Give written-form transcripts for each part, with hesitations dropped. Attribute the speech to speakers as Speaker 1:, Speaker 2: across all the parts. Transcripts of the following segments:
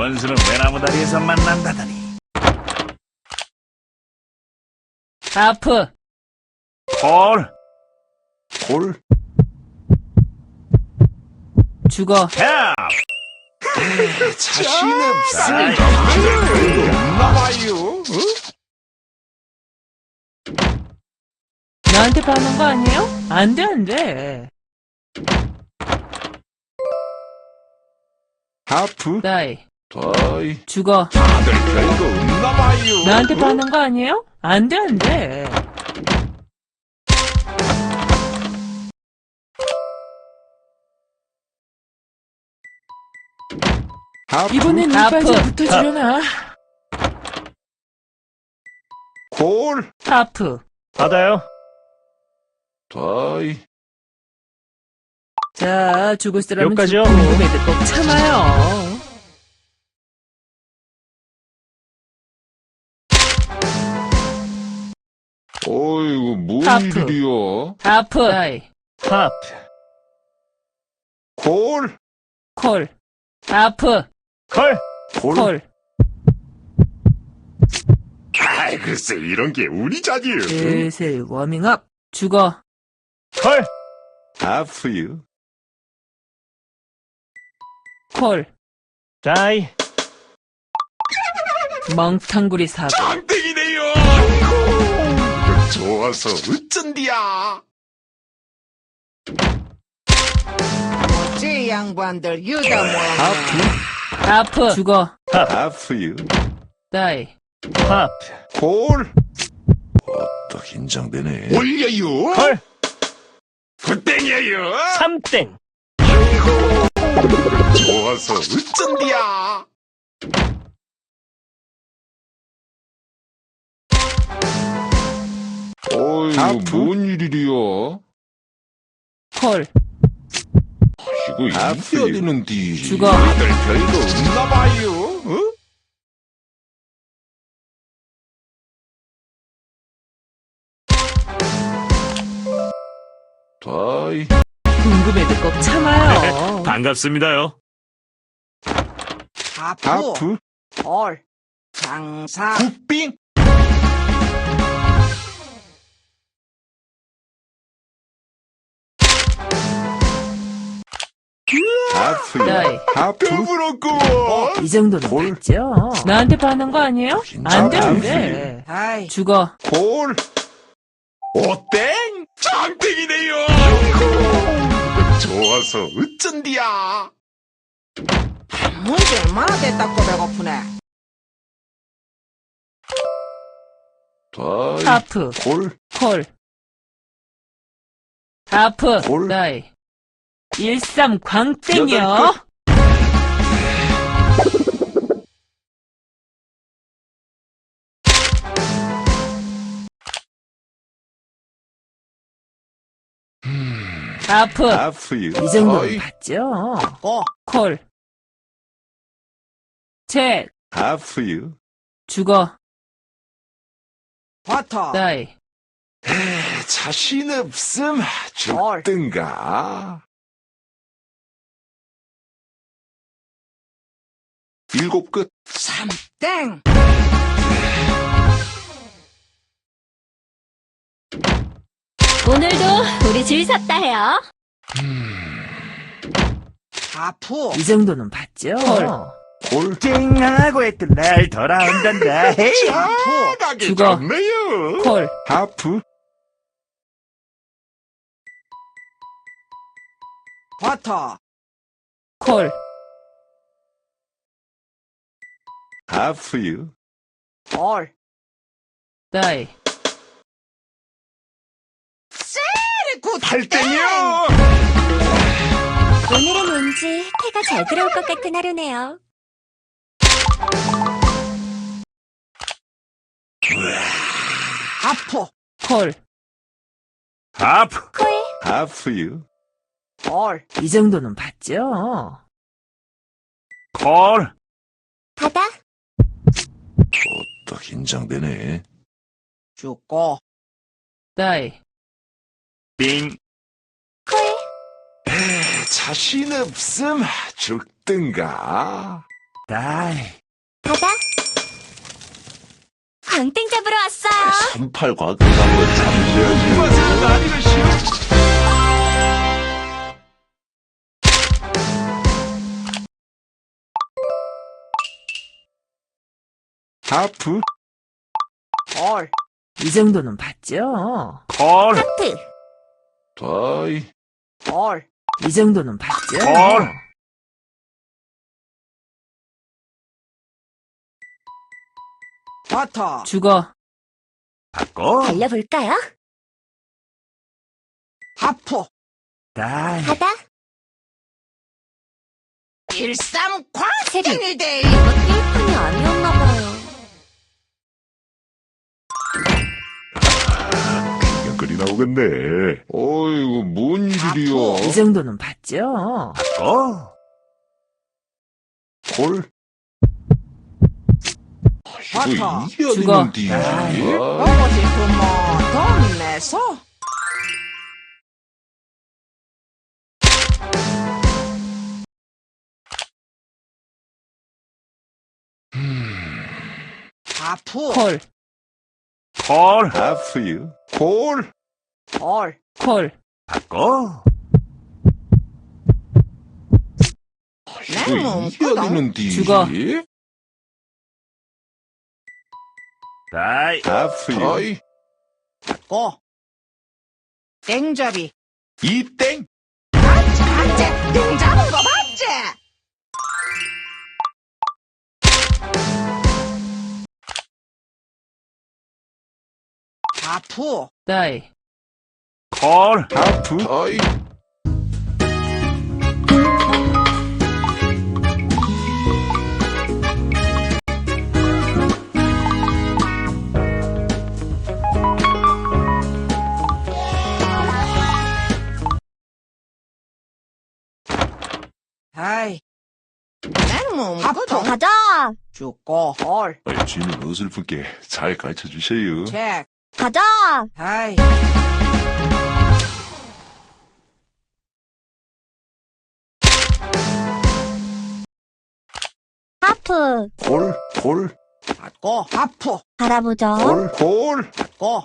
Speaker 1: 원수는 외나무 다리에서 만난다더니.
Speaker 2: 하프.
Speaker 1: 콜.
Speaker 3: 콜.
Speaker 2: 죽어.
Speaker 1: 야!
Speaker 3: 자신 없음. 나와요.
Speaker 2: 나한테 반한 거 아니에요? 안 돼, 안 돼.
Speaker 3: 하프.
Speaker 2: 다이.
Speaker 3: 다이.
Speaker 2: 죽어.
Speaker 3: 다들 별거 없나 봐요.
Speaker 2: 나한테 반한 거 아니에요? 안 돼, 안 돼.
Speaker 3: 하프.
Speaker 2: 이번엔 하프. 이빨 좀 붙어주려나?
Speaker 3: 콜.
Speaker 2: 하프.
Speaker 1: 받아요.
Speaker 3: 다이.
Speaker 2: 자, 죽을 사람은
Speaker 1: 여기까지요?
Speaker 2: 죽고 궁금해도 꼭 참아요.
Speaker 3: 어이구, 뭔
Speaker 2: 하프.
Speaker 3: 일이야?
Speaker 2: 하프. 다이.
Speaker 1: 하프.
Speaker 3: 콜.
Speaker 2: 콜. 하프.
Speaker 1: 콜.
Speaker 2: 콜.
Speaker 3: 아이, 글쎄, 이런 게 우리 자리요.
Speaker 2: 슬슬 워밍업. 죽어.
Speaker 1: 콜.
Speaker 3: 하프요.
Speaker 2: 콜.
Speaker 1: 다이.
Speaker 2: 멍탕구리 사고.
Speaker 3: 짱땡이네요. 아이고, 좋아서 어쩐디야.
Speaker 4: 뭐지 양반들 유다 모양.
Speaker 3: 하프.
Speaker 2: 하프. 죽어.
Speaker 3: 하프요.
Speaker 2: 다이.
Speaker 1: 하프.
Speaker 3: 콜. 또 긴장되네. 올려요.
Speaker 1: 콜.
Speaker 3: 굿땡이에요.
Speaker 1: 3땡.
Speaker 3: 좋아서 어쩐디야. 어이구, 뭔 일이야?
Speaker 2: 콜.
Speaker 3: 이거 이겨야 되는데.
Speaker 2: 죽어.
Speaker 3: 다들 별거 없나 봐요. 어? 다이.
Speaker 2: 궁금해도 꼭 참아요.
Speaker 1: 반갑습니다요.
Speaker 4: 하프,
Speaker 3: 하프.
Speaker 4: 콜, 장사,
Speaker 3: 국빙. 하프.
Speaker 2: 다이.
Speaker 3: 하프. 부럽고.
Speaker 2: 이 정도는
Speaker 3: 콜.
Speaker 2: 맞죠? 나한테 반한 거 아니에요? 안 돼, 안 돼.
Speaker 4: 다이,
Speaker 2: 죽어.
Speaker 3: 콜. 오땡. 짱땡이네요. 좋아서 어쩐디야.
Speaker 4: 문제 얼마나 됐다고 배고프네.
Speaker 3: 다이.
Speaker 2: 하프.
Speaker 3: 콜.
Speaker 2: 콜. 하프.
Speaker 3: 콜.
Speaker 2: 다이. 13 광땡이요.
Speaker 3: 여덟
Speaker 2: 하프.
Speaker 3: 하프요.
Speaker 2: 이 정도는
Speaker 3: 다이.
Speaker 2: 봤죠?
Speaker 4: 고,
Speaker 2: 콜. 책.
Speaker 3: 하프요.
Speaker 2: 죽어.
Speaker 4: 버터,
Speaker 2: 다이.
Speaker 3: 자신 없음.
Speaker 4: 콜,
Speaker 3: 죽든가. 일곱 끝.
Speaker 4: 삼땡,
Speaker 5: 오늘도 우리 줄 섰다 해요.
Speaker 4: 하프,
Speaker 2: 이 정도는 봤죠?
Speaker 3: 콜.
Speaker 1: 찡하고 했던 날 돌아온단다. 헤이.
Speaker 4: 하프,
Speaker 3: 가게
Speaker 2: 죽어.
Speaker 3: 좋네요.
Speaker 2: 콜.
Speaker 3: 하프.
Speaker 4: 버터,
Speaker 2: 콜.
Speaker 3: 하프요.
Speaker 4: 콜,
Speaker 2: 다이.
Speaker 4: 굿,
Speaker 3: 팔땡이요.
Speaker 5: 오늘은 왠지 태가 잘 들어올 것 같은 하루네요.
Speaker 4: 하프,
Speaker 2: 콜.
Speaker 1: 하프.
Speaker 5: 콜,
Speaker 3: 하프요.
Speaker 4: 콜,
Speaker 2: 이 정도는 봤죠?
Speaker 1: 콜.
Speaker 5: 바다,
Speaker 3: 또 긴장되네.
Speaker 4: 죽고,
Speaker 2: 다이.
Speaker 1: 빙.
Speaker 5: 콜,
Speaker 3: 자신 없음. 죽든가.
Speaker 1: 다이.
Speaker 5: 가자. 광땡 잡으러 왔어요.
Speaker 3: 38 과금 한번 잠시만요. 하프.
Speaker 4: 콜.
Speaker 2: 이 정도는 봤죠?
Speaker 1: 콜.
Speaker 5: 하프.
Speaker 3: 다이.
Speaker 4: 콜.
Speaker 2: 이 정도는 봤죠?
Speaker 1: 콜.
Speaker 4: 버터.
Speaker 2: 죽어.
Speaker 1: 바꿔.
Speaker 5: 달려볼까요?
Speaker 4: 하프.
Speaker 1: 다이.
Speaker 5: 가자.
Speaker 4: 13
Speaker 5: 세리.
Speaker 4: 광땡이대.
Speaker 5: 이거 땡판이 아니었나봐요.
Speaker 3: 그냥거리 나오겠네. 어이구, 뭔 일이야.
Speaker 2: 이 정도는 봤죠?
Speaker 1: 바꿔.
Speaker 3: 콜.
Speaker 4: 버터.
Speaker 3: 이거 이겨야
Speaker 2: 죽어.
Speaker 3: 되는데.
Speaker 2: 아이.
Speaker 4: 먹고 싶으면 돈 내서. 하프.
Speaker 2: 콜,
Speaker 1: 콜.
Speaker 3: 하프유. 콜.
Speaker 4: 콜.
Speaker 2: 콜.
Speaker 1: 바꿔.
Speaker 4: 내
Speaker 3: 이거
Speaker 4: 몸
Speaker 3: 이겨야
Speaker 4: 끄덕.
Speaker 3: 되는데.
Speaker 2: 죽어.
Speaker 1: 다이.
Speaker 3: 하프유. 다이.
Speaker 4: 고. 땡잡이.
Speaker 3: 이땡.
Speaker 4: 맞지? 땡 잡은 거 맞지? 하프.
Speaker 2: 다이.
Speaker 1: 콜.
Speaker 3: 하프. 다이.
Speaker 4: 아이. 내몸
Speaker 5: 하프.
Speaker 4: 끄덕.
Speaker 5: 가자.
Speaker 4: 죽고. 콜.
Speaker 3: 주인은 어설프게 잘 가르쳐 주세요.
Speaker 4: 책.
Speaker 5: 가자.
Speaker 4: 아이.
Speaker 5: 하프.
Speaker 3: 콜. 콜.
Speaker 4: 받고. 하프.
Speaker 5: 바라보죠.
Speaker 3: 콜. 콜.
Speaker 4: 받고.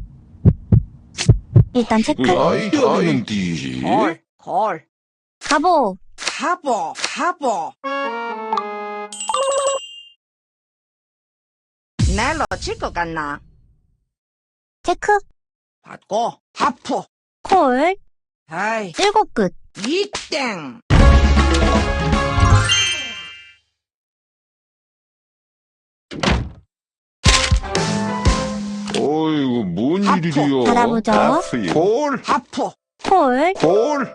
Speaker 5: 일단 체크.
Speaker 3: 이거 이겨야 되는데.
Speaker 4: 콜. 콜.
Speaker 5: 가보.
Speaker 4: 하보. 하보. 날로 칠것 같나?
Speaker 5: 체크.
Speaker 4: 받고. 하프.
Speaker 5: 콜.
Speaker 4: 아이.
Speaker 5: 7끝.
Speaker 4: 이땡.
Speaker 3: 어이구, 뭔
Speaker 4: 하프.
Speaker 3: 일이야.
Speaker 5: 바라보죠.
Speaker 3: 하프유. 콜.
Speaker 4: 하프.
Speaker 5: 콜.
Speaker 3: 콜.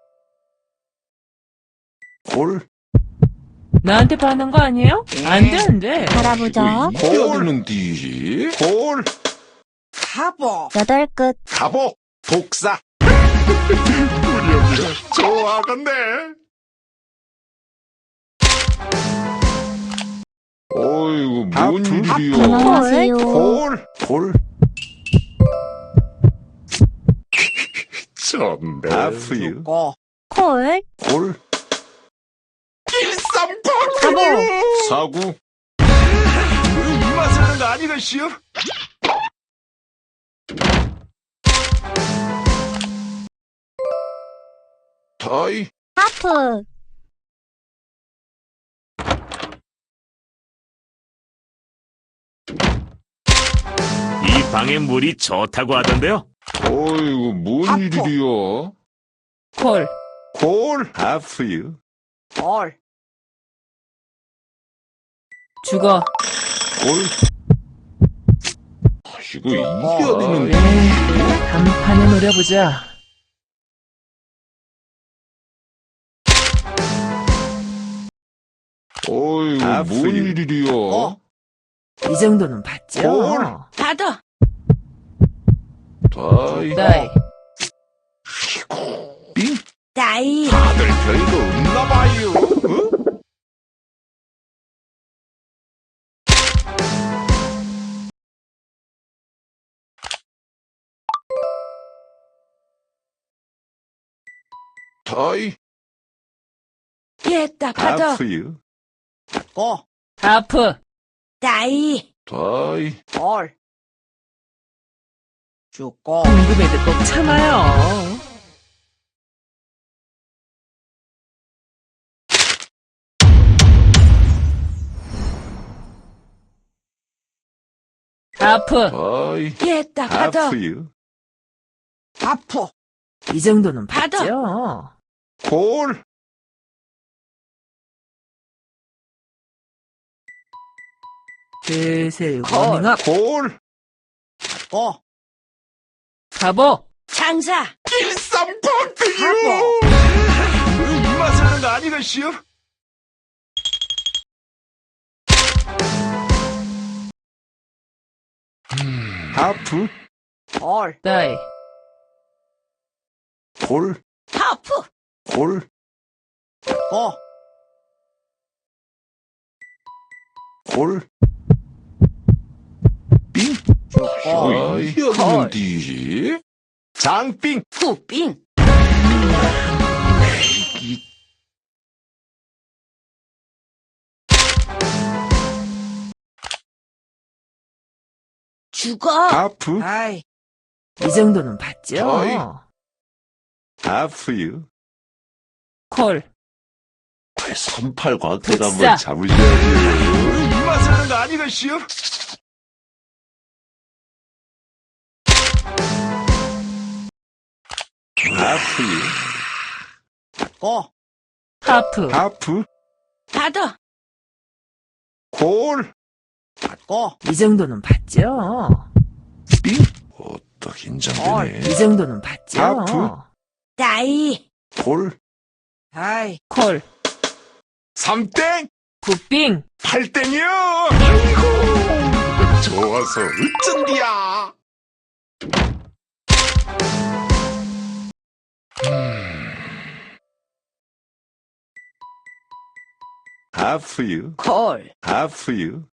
Speaker 3: 콜.
Speaker 2: 나한테 파는 거 아니에요? 안 돼, 안 돼.
Speaker 5: 바라보죠.
Speaker 3: 이겨야 되는데. 콜.
Speaker 4: 하보.
Speaker 5: 8끝.
Speaker 3: 가보. 독사. 우리 언니가 좋아하겠네. 어이구, 뭔
Speaker 5: 하프.
Speaker 3: 일이야.
Speaker 5: 안녕하세요.
Speaker 3: 콜. 콜. 좋네. 하프유.
Speaker 4: 고.
Speaker 5: 콜.
Speaker 3: 콜. 13
Speaker 5: 가보.
Speaker 3: 사구.
Speaker 1: 이 맛을 하는 거 아니겠시요?
Speaker 3: 다이.
Speaker 5: 하프.
Speaker 1: 이 방의 물이 좋다고 하던데요.
Speaker 3: 어이구, 뭔
Speaker 4: 하프.
Speaker 3: 일이야.
Speaker 2: 콜.
Speaker 3: 콜. 하프유.
Speaker 4: 콜.
Speaker 2: 죽어.
Speaker 3: 콜. 이거 이겨야 되는데.
Speaker 2: 단판에 노려보자.
Speaker 3: 어이구, 뭔 일이야.
Speaker 2: 이 정도는 봤죠?
Speaker 3: 콜.
Speaker 4: 받아.
Speaker 3: 다이.
Speaker 2: 다이.
Speaker 3: 빙.
Speaker 4: 다이.
Speaker 3: 다들 별거 없나봐요. 어? 다이.
Speaker 4: 얘다 받아.
Speaker 3: 하프유.
Speaker 4: 고,
Speaker 2: 하프.
Speaker 4: 다이,
Speaker 3: 다이.
Speaker 4: 콜. 죽고,
Speaker 2: 궁금해도 꼭 참아요. 하프.
Speaker 3: 다이.
Speaker 4: 됐다, 받아.
Speaker 3: 하프유.
Speaker 4: 하프,
Speaker 2: 이 정도는
Speaker 4: 받아.
Speaker 2: 받죠.
Speaker 3: 콜.
Speaker 2: 슬슬
Speaker 4: 콜.
Speaker 2: 워밍업.
Speaker 3: 콜.
Speaker 4: 고,
Speaker 2: 가보.
Speaker 4: 장사,
Speaker 3: 일삼팔등이요.
Speaker 4: 하보,
Speaker 1: 입맛에 하는 거 아니겠시요?
Speaker 3: 하프.
Speaker 4: 콜,
Speaker 2: 다이.
Speaker 3: 콜.
Speaker 4: 하프,
Speaker 3: 콜.
Speaker 4: 고,
Speaker 3: 콜. 빙.
Speaker 4: 죽고,
Speaker 3: 이게 어디는 뒤지? 장빙.
Speaker 4: 후빙, 죽어,
Speaker 3: 하프.
Speaker 4: 아이,
Speaker 2: 이 정도는 받죠.
Speaker 3: 다이. 하프유.
Speaker 2: 콜.
Speaker 3: 38 광택
Speaker 2: 독사.
Speaker 3: 한번 잡으셔야지.
Speaker 1: 입맛에 하는 거 아니겠시요?
Speaker 3: 하프유.
Speaker 4: 고,
Speaker 2: 하프.
Speaker 3: 하프.
Speaker 4: 받아,
Speaker 3: 콜.
Speaker 4: 고,
Speaker 2: 이 정도는 받죠.
Speaker 3: 빙. 또 긴장되네.
Speaker 2: 이 정도는 받죠.
Speaker 3: 하프.
Speaker 4: 다이,
Speaker 3: 콜.
Speaker 4: 아이,
Speaker 2: 콜.
Speaker 3: 3땡.
Speaker 2: 굿빙.
Speaker 3: 8땡이요. 아이고. 좋아서 어쩐디야. 하프유.
Speaker 4: 콜,
Speaker 3: 하프유.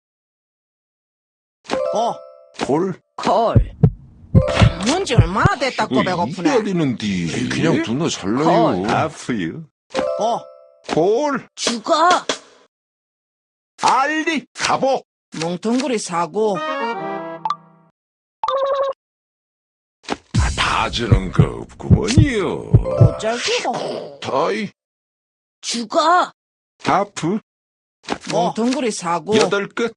Speaker 4: 고,
Speaker 3: 콜.
Speaker 4: 콜. 뭔지 얼마나 됐다고 배고프네.
Speaker 3: 이게 어디는디? 그냥 누나 잘라요. 하프유.
Speaker 4: 고,
Speaker 3: 콜.
Speaker 4: 죽어,
Speaker 3: 알리. 가보.
Speaker 4: 뭉텅구리 사고,
Speaker 3: 다 주는 거 없구먼요.
Speaker 4: 못잘기고,
Speaker 3: 다이.
Speaker 4: 죽어,
Speaker 3: 하프.
Speaker 4: 뭉텅구리 사고,
Speaker 3: 8끝.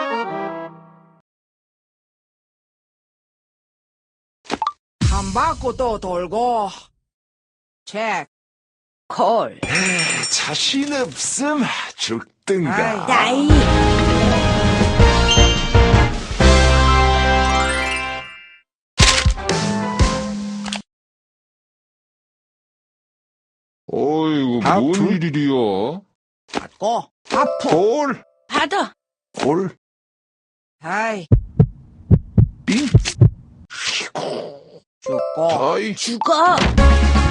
Speaker 4: 한 바퀴 또 돌고, 책, 콜,
Speaker 3: 자신 없음. 죽든가.
Speaker 4: 다이,
Speaker 3: 어이구,
Speaker 1: 하프?
Speaker 3: 뭔 일이야?
Speaker 4: 고, 아프,
Speaker 3: 콜.
Speaker 4: 받아,
Speaker 3: 콜.
Speaker 4: 다이,
Speaker 3: 빙.
Speaker 4: 죽고,
Speaker 3: 다이.
Speaker 4: 죽어,